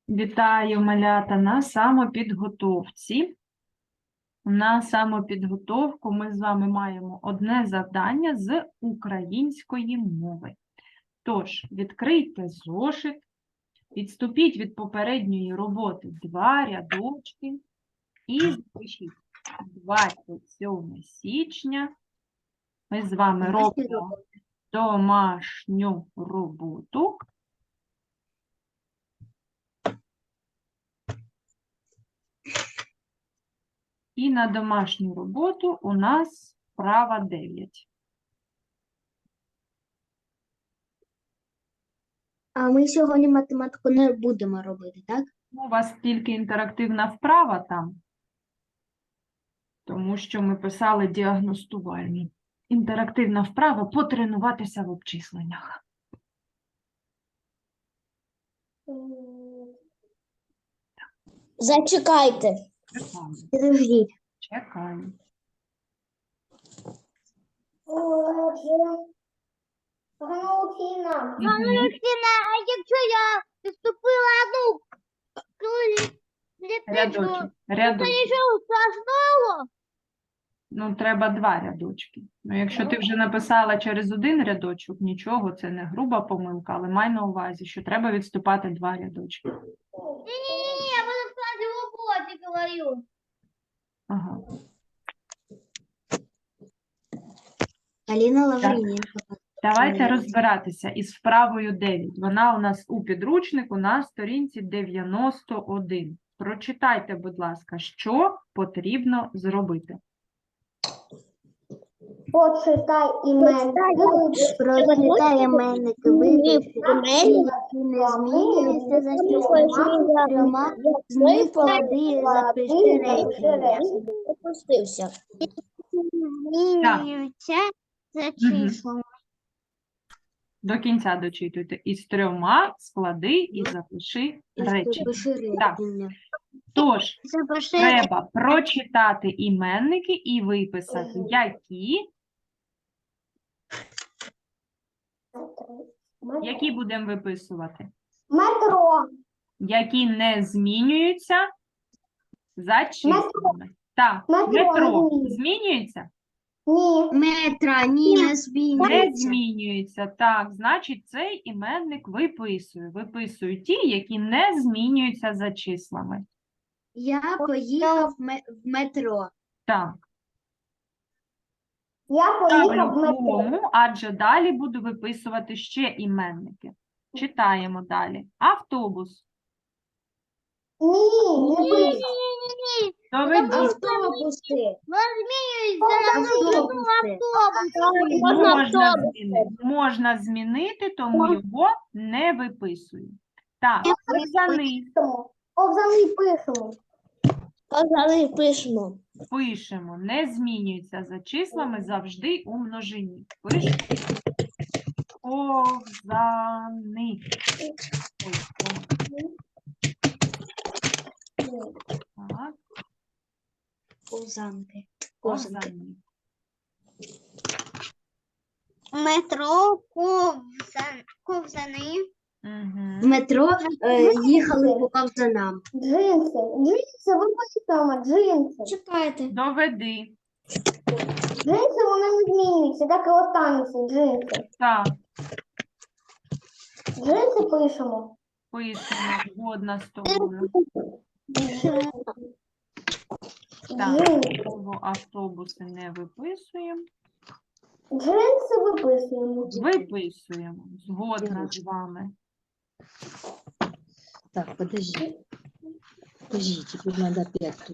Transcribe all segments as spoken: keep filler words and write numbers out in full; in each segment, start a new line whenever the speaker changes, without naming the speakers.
Вітаю, малята, на самопідготовці. На самопідготовку ми з вами маємо одне завдання з української мови. Тож, відкрийте зошит, відступіть від попередньої роботи два рядочки і запишіть двадцять сьоме січня. Ми з вами робимо домашню роботу. І на домашню роботу у нас вправа дев'ять.
А ми сьогодні математику не будемо робити, так?
У вас тільки інтерактивна вправа там, тому що ми писали діагностувальні. Інтерактивна вправа – потренуватися в обчисленнях.
Зачекайте.
Чекаємо.
Підождіть.
Чекаємо.
Ганна
Мгм.
а якщо я відступила одну
Рядочок.
клітинку, то
Рядочок.
нічого страшного?
Ну, треба два рядочки. Ну, якщо ти вже написала через один рядочок, нічого, це не груба помилка, але май на увазі, що треба відступати два рядочки.
Ні-ні-ні, я буду в складі роботи говорю.
Ага.
Аліна Лавріненко.
Давайте розбиратися із вправою дев'ять. Вона у нас у підручнику на сторінці дев'яносто один. Прочитайте, будь ласка, що потрібно зробити.
Почитай іменники.
Прочитай іменники, випиши, які не змінюються за числами трьома, з них склади і запиши речення. Опустився.
Змінюються за числами.
До кінця дочитуйте. Із трьома склади і запиши речення.
Запиши
Так.
речення.
Тож,
Запиши
треба прочитати іменники і виписати, які, які будемо виписувати.
метро.
Які не змінюються за числами. Так,
Метро не
метро
змінюється.
змінюється?
Ні.
Метра, ні, не
Не
змінюється.
змінюється. Так, значить, цей іменник виписую. Виписую ті, які не змінюються за числами.
Я поїхав в ме- в метро.
Так,
Я поїхав в
ставлю
метро.
кому, адже далі буду виписувати ще іменники. Читаємо далі. Автобус.
Ні, не
Ні.
пишу.
Доведіть.
Автобуси.
Змінюється на
Можна змінити. Можна змінити, тому його не виписую. Так, ковзани
Ковзани пишемо.
Казали, пишемо.
пишемо. Не змінюється за числами, завжди у множині. Пишемо. Ковзани. Ой, о, так,
Ковзанки.
ковзани.
Метро, ковзан, ковзани.
Угу.
В метро е, їхали по ковзанам.
Джинси. Джинси, ви почитаємо, джинси.
Чекайте.
Доведи.
Джинси, вони не змінюються, так і остануться джинси.
Так,
Джинси пишемо.
пишемо. Згодна з тобою. Так,
Джинси.
слово автобуси не виписуємо.
Джинси виписуємо.
Виписуємо. Згодна з вами.
Так, подожди. Подождите, тут надо опять тут.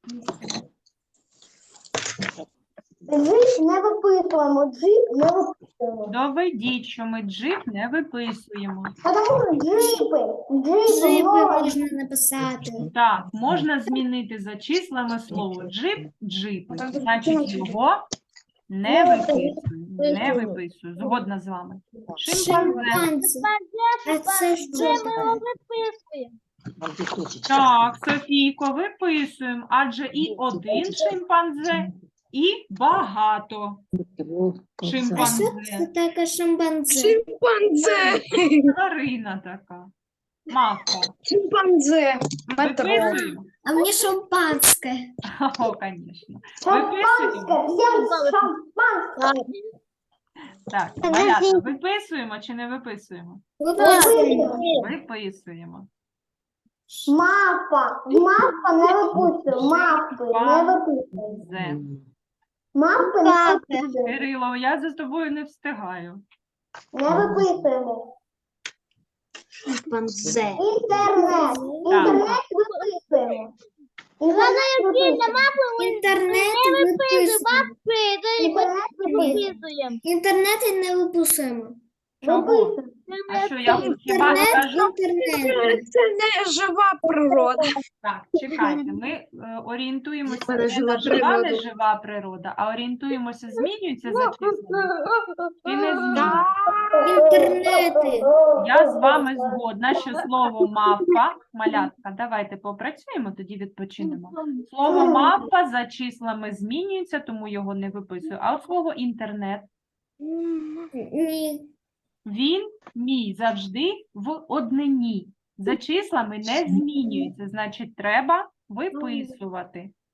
Джип не виписуємо, джип не виписуємо.
Доведіть, що ми джип не виписуємо.
Тому що джипи, джипи, можна.
написати.
Так, можна змінити за числами слово джип, джипи. Значить, його не виписую. Не виписую. Згодна з вами. Шимпанзе.
А це що таке?
Вот здесь точечка.
Так, Софійко, виписуємо. Адже і один шимпанзе, і багато
Вот,
шимпанзе.
таке шимпанзе?
Шимпанзе!
Тварина така. Мавпа.
Шимпанзе.
Виписуємо?
А мені шампанське.
О, звісно.
Шампанське, всім шампанське.
Так, малята, виписуємо чи не виписуємо?
Виписуємо.
Виписуємо.
Мапа, мапа не виписуємо, мапи не виписуємо.
Зе.
Мапи не виписуємо.
Кирило, я за тобою не встигаю.
Не виписуємо.
Шимпанзе.
Інтернет. Інтернет виписуємо. Інтернет виписуємо.
Інтернет виписуємо.
Інтернет виписуємо.
Інтернет не виписуємо.
Чого?
Виписуємо.
А що я хіба
Інтернет,
кажу?
інтернет.
Це не жива природа.
Так, чекайте, ми е, орієнтуємося
Мене
не
жива
на жива, не
природа.
жива природа, а орієнтуємося, змінюється за числами чи не змінюється.
Інтернети.
Я з вами згодна, що слово мавпа, малятка, давайте попрацюємо, тоді відпочинемо. Слово мавпа за числами змінюється, тому його не виписую. А от слово інтернет,
Ні.
він мій завжди в однині. За числами не змінюється, значить треба виписувати.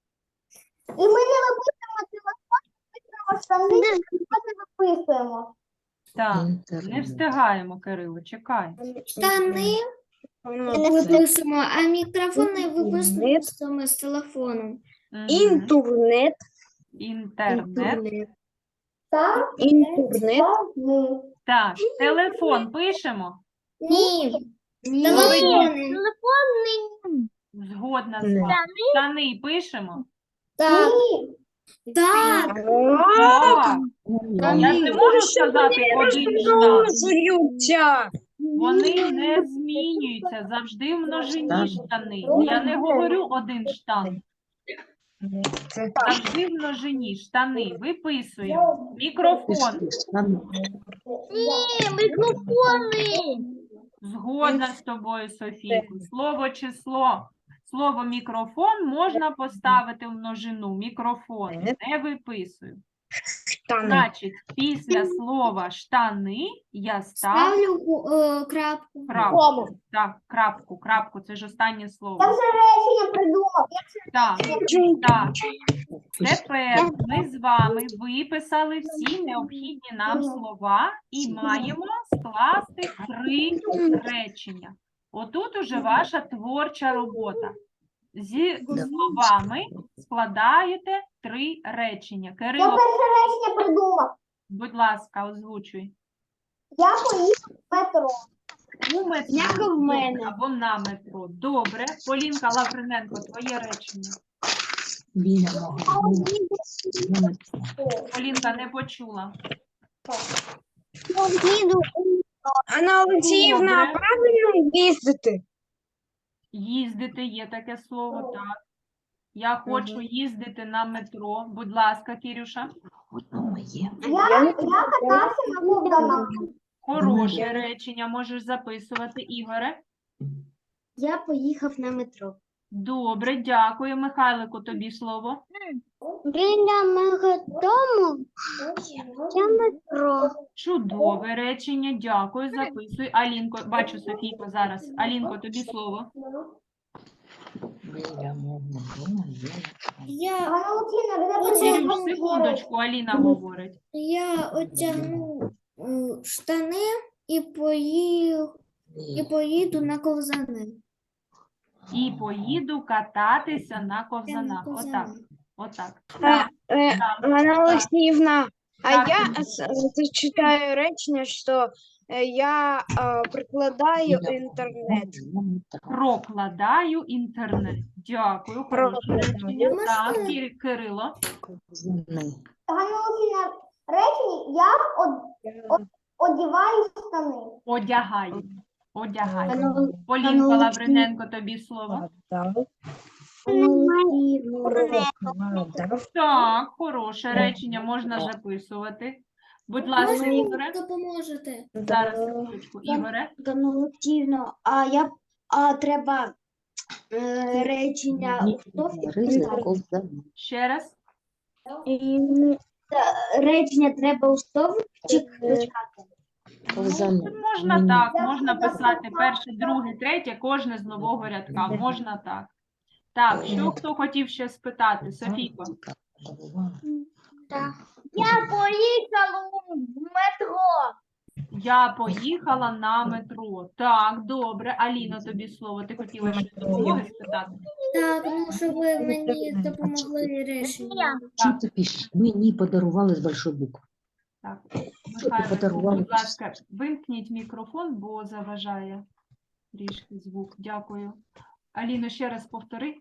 І ми не виписуємо телефон, виписуємо штани, не виписуємо.
Так, не встигаємо, Кирило, чекай.
Штани виписуємо, а мікрофон не виписуємо з телефоном.
Мгм.
Інтернет.
Інтернет.
Так,
Інтернет.
штани.
Так, телефон пишемо.
Ні.
Телефони.
Телефони.
Згодна з
Не.
вами. Штани пишемо.
Так.
Ні.
Так.
Так. Я ж не можу сказати один штан.
Зуються.
Вони не змінюються, завжди в множині штани. Я не говорю один штан. Завжди в множині штани. Виписуємо. Мікрофон.
Ні, мікрофони.
Згодна з тобою, Софійко. Слово число. Слово мікрофон можна поставити в множину. Мікрофон. Не виписую. Значить, після слова штани я ставлю
Ставлю е, крапку.
крапку. Так, крапку, крапку. Це ж останнє
Я
слово.
вже речення придумав.
Так, так. Тепер ми з вами виписали всі необхідні нам слова і маємо скласти три речення. Отут уже ваша творча робота. Зі словами складаєте три речення.
Я
Кирило,
перше речення придумав.
будь ласка, озвучуй.
Я поїхав в метро.
У метро
Як у мене.
або на метро. Добре. Полінка Лавриненко, твоє речення.
Біля мого.
Полінка не почула.
Анна Олексіївна,
Добре.
правильно їздити?
Їздити є таке слово, так. Я хочу їздити на метро. Будь ласка, Кірюша.
Я, я катався на ковзанах.
Хороше речення, можеш записувати. Ігоре.
Я поїхав на метро.
Добре, дякую. Михайлику, тобі слово.
Біля мого дому є метро.
Чудове речення, дякую, записуй. Алінко, бачу, Софійко, зараз. Алінко, тобі слово.
Я,
Ганна Олексіївна, де
Оце-
Кірюш, секундочку, Аліна говорить.
я одягну е, штани і, поїх, і поїду на ковзани.
І поїду кататися на ковзанах. Отак,
ковзани.
отак.
Е,
Так,
е,
так.
Анна Олексіївна, а
Так.
я с- зачитаю речення, що е, я е, прикладаю інтернет.
Прокладаю інтернет. Дякую, хороше
Прокладаю.
речення.
Можна?
Так, Кір- Кирило.
Ганна Олексіївна, речення я од, од, одіваю штани.
Одягаю. Одягаю.
Пане
Полінка
Олексій.
Лавриненко, тобі слово. Так, хороше речення, можна записувати. Будь ласка,
Можна
Ігоре.
мені допоможете?
Зараз, секундочку. Ігоре.
Ганна Олексіївна, а я а треба е, речення
Ще раз.
речення треба у стовпчик дочекати.
Ковзани.
Ну, можна
Мені.
так, можна писати перше, друге, третє, кожне з нового рядка, можна так. Так, що хто хотів ще спитати? Софійко?
Я поїхала в метро.
Я поїхала на метро. Так, добре. Аліна, тобі слово. Ти хотіла щось допомоги спитати?
Так, ну щоб ви мені допомогли рішення.
Що ти пишеш? Мені подарували з большої букви.
Так,
Що ти
Михайло,
подарувала?
будь ласка, вимкніть мікрофон, бо заважає трішки звук. Дякую. Аліно, ще раз повтори.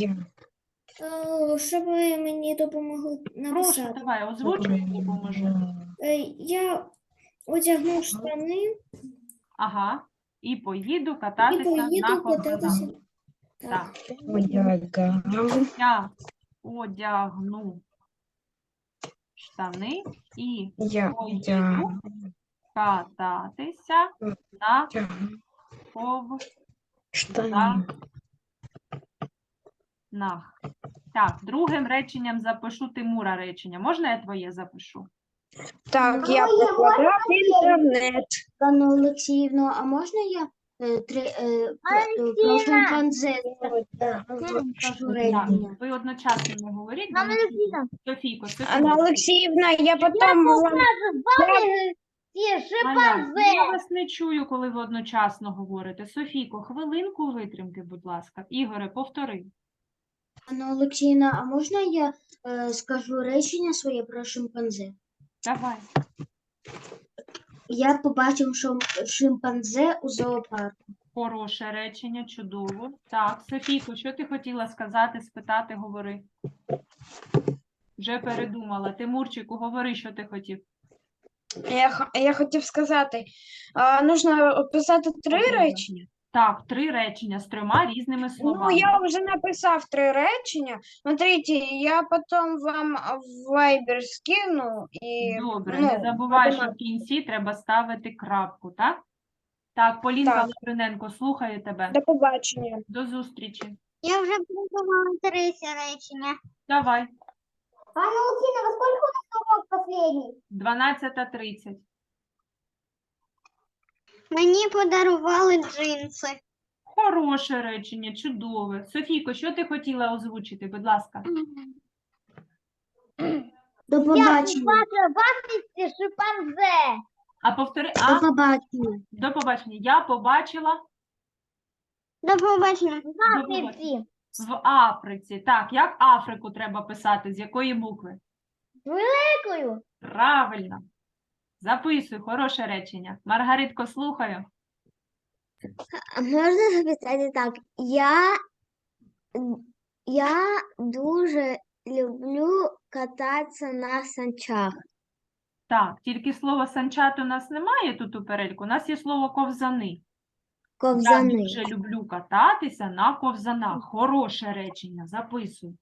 Е, Щоб ви мені допомогли
Прошу,
написати.
давай, озвучуй, я допоможу.
Е, Я одягну штани
Ага. І поїду
і
кататися на
поїду
ковзанах.
кататися.
Так.
Одягав.
Я одягну штани і
Я
поїду кататися на ковзанах.
штани.
Так, другим реченням запишу Тимура речення. Можна я твоє запишу?
Так, я прокладав інтернет.
Анна Олексіївна, а можна я е, три, е, п- е, про шимпанзе скажу речення?
Так, ви одночасно не говоріть. бо
Анна
не чую.
Олексіївна.
Софійко,
Анна
секунду.
Олексіївна, я потім вам...
Ті
Маля,
шимпанзе.
я вас не чую, коли ви одночасно говорите. Софійко, хвилинку витримки, будь ласка. Ігоре, повтори.
Анна Олексіївна, а можна я е, скажу речення своє про шимпанзе?
Давай.
Я побачив шим- шимпанзе у зоопарку.
Хороше речення, чудово. Так, Софійко, що ти хотіла сказати, спитати, говори. Вже передумала. Тимурчику, говори, що ти хотів.
Я, х- я хотів сказати, а, нужно писати три
Добре.
речення.
Так, три речення з трьома різними
Ну,
словами.
я вже написав три речення. Смотрите, я потім вам в Viber скину і
Добре,
ну,
не забувай, що
будемо-
в кінці треба ставити крапку, так? Так, Полінка
Так.
Лавриненко, слухаю тебе.
До побачення.
До зустрічі.
Я вже придумала третє речення.
Давай,
Анна Олексіївна, во сколько у нас урок последній?
дванадцята тридцять.
Мені подарували джинси.
Хороше речення, чудове. Софійко, що ти хотіла озвучити, будь ласка?
До побачення.
бачите шимпанзе.
А повтори,
До
а,
побачення.
до побачення. Я побачила
До побачення.
побачення. в Африці. Так, як Африку треба писати? З якої букви?
Дякую.
Правильно. Записуй, хороше речення. Маргаритко, слухаю.
Можна записати так. Я, я дуже люблю кататися на санчах.
Так, тільки слово санчат у нас немає тут у перельку. У нас є слово ковзани. Я
Ковзани.
дуже люблю кататися на ковзанах. Хороше речення. Записуй.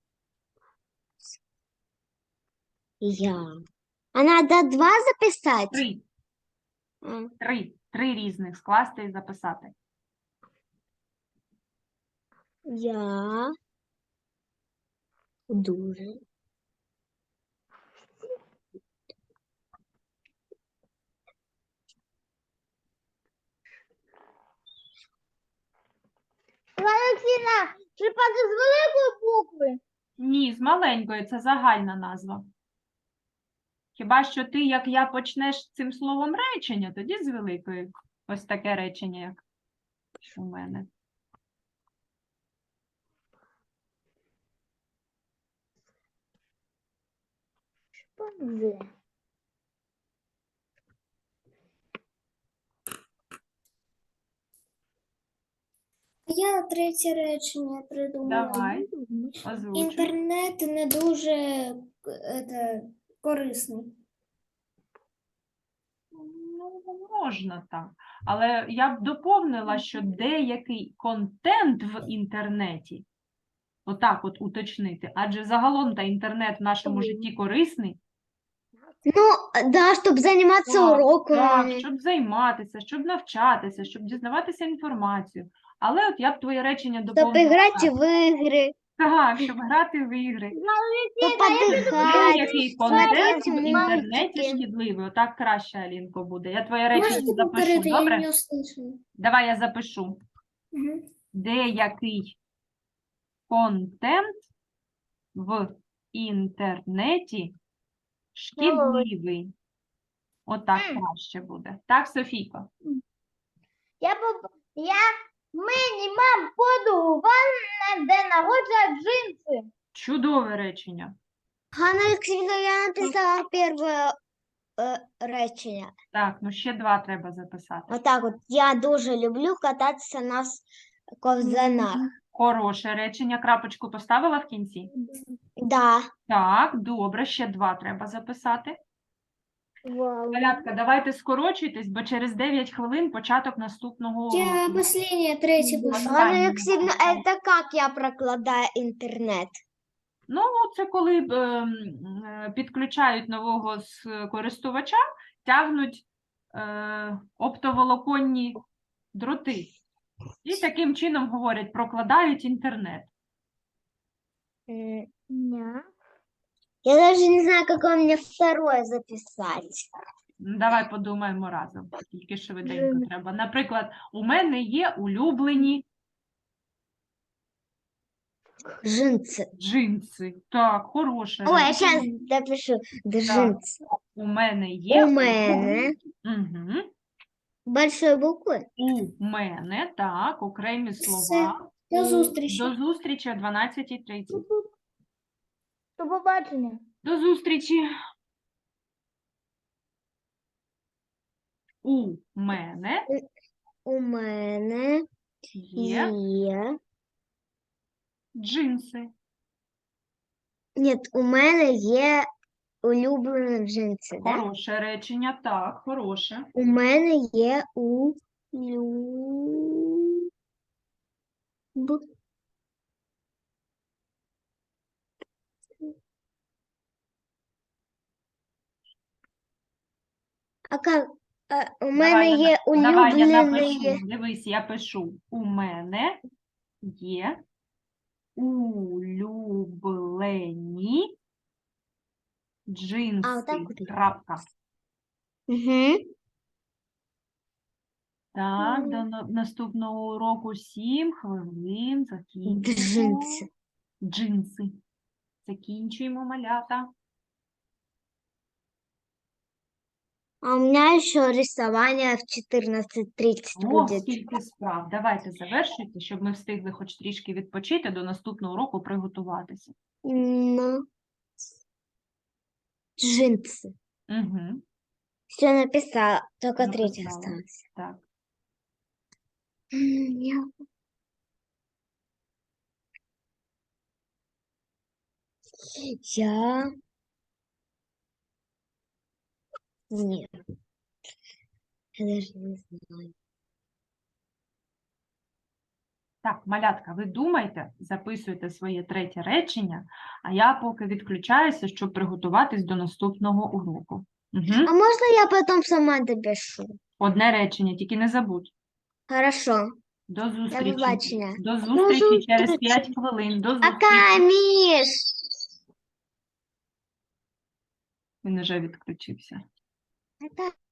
Я. А надо два записати?
Три.
М.
Три. Три різних скласти і записати.
Я дуже Олексіна, шипати з великої букви?
Ні, з маленької, це загальна назва. Хіба що ти, як я, почнеш цим словом речення, тоді з великої. Ось таке речення, як у мене.
Шимпанзе.
Я третє речення придумала.
Давай, озвучуй.
Інтернет не дуже е, це, корисний.
Ну, можна так. Але я б доповнила, що деякий контент в інтернеті, отак от уточнити, адже загалом та інтернет в нашому житті корисний,
Ну, да, щоб займатися
Так,
уроками.
так, щоб займатися, щоб навчатися, щоб дізнаватися інформацію. Але от я б твоє речення
Щоб
доповнила.
грати
так.
в ігри.
Так, щоб грати в ігри.
То
Де
подихати.
який контент
смотреть
в інтернеті
мультики.
шкідливий? Отак краще, Алінко, буде. Я твоє речення
Можете
запишу,
повторити, я
добре?
не услышала.
Давай я запишу.
Мгм.
Деякий контент в інтернеті шкідливий. Отак краще буде. Так, Софійко?
Я, б- я мені мам подарувала на день народження джинси.
Чудове речення.
Ганна Олексійовна, я написала перше е, речення.
Так, ну ще два треба записати.
Отак от. Я дуже люблю кататися на с- ковзанах.
Хороше речення. Крапочку поставила в кінці?
Да.
Так, добре, ще два треба записати.
Вау.
Малятка, давайте скорочуйтесь, бо через дев'ять хвилин початок наступного
Я
уроку.
последнее, третье пишу.
Останнє.
Ганна Олексійовна, це як я прокладаю інтернет?
Ну, це коли е, м, е, підключають нового с- користувача, тягнуть е, оптоволоконні дроти. І таким чином говорять, прокладають інтернет.
М,
Ня.
Я даже не знаю, какое мне второе записать.
Ну, давай подумаємо разом, тільки швиденько треба. Наприклад, у мене є улюблені
Джинсы.
джинси. Так, хороше.
Ой, я
речення.
сейчас допишу. Джинсы.
У мене є
У мене.
Угу.
Большой буквы.
У мене, так, окремі
Все.
слова.
До зустрічі.
До зустрічі о дванадцятій тридцять.
До побачення.
До зустрічі. У мене
У мене
є
є.
джинси.
Ні, у мене є улюблені джинси, да?
Хороше речення, так, хороше.
У мене є у Б. А как? А, у мене
Давай я
є
на- Давай я
улюблені.
напишу. Дивись, я пишу. У мене є улюблені джинси.
А, отак от.
Крапка.
Угу.
Так, до на- наступного уроку сім хвилин. Закінчуємо.
Джинси.
Джинси. Закінчуємо, малята.
А у меня еще рисование в четырнадцать тридцать
О,
будет.
скільки справ. Давайте завершуйте, щоб ми встигли хоч трішки відпочити, до наступного уроку приготуватися.
Ну, джинсы.
Угу,
Все написала, только третья
Написала.
осталась.
так.
М, Я... Я... Нет. Я даже не знаю.
Так, малятка, ви думайте, записуйте своє третє речення, а я поки відключаюся, щоб приготуватись до наступного уроку. Угу.
А можно я потом сама допишу?
Одне речення, тільки не забудь.
Хорошо.
До зустрічі.
побачення.
До зустрічі через
зустрічі.
п'ять хвилин. До зустрічі.
Пока, Миш!
Він вже відключився.
Это